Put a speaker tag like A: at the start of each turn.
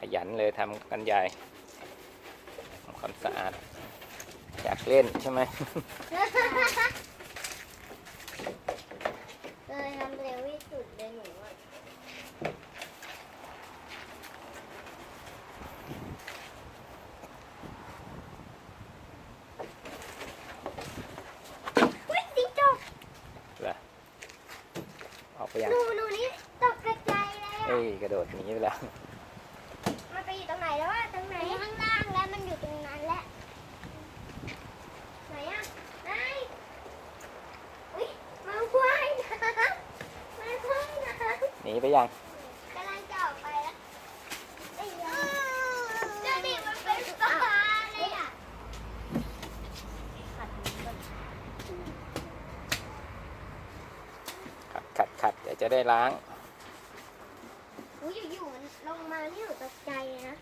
A: ยันเลยทำกันใหญ่ทำความสะอาดอยากเล่นใช่ไหม
B: เลยทำเร็วที่สุดเลยหนูอ่ะวิ่งจิ๊กจก
A: เหรอออกไปยัง
B: หนูนี่ตกกระจายเลย
A: เอ้
B: อ่ะ
A: ยกระโดดหนีไปแล้ว
B: มันไปอยู่ตรงไหนแล้วอ่ะตรงไหนข้างล่างแล้วมันอยู่ตรงนั้นแหละไหนอ่ะไหนอุ้ยมันว่ายน้ำมันว่ายน้ำ
A: หนีไปยัง
B: กำลังจะออกไปแล้วไอ้ยาเจ้าดิมันเป็นปลาเลยอ่ะ
A: ขัดเดี๋ยวจะได้ล้าง
B: อุ้ยอยู่ๆมันลงมานี่หนูตกใจเลยนะ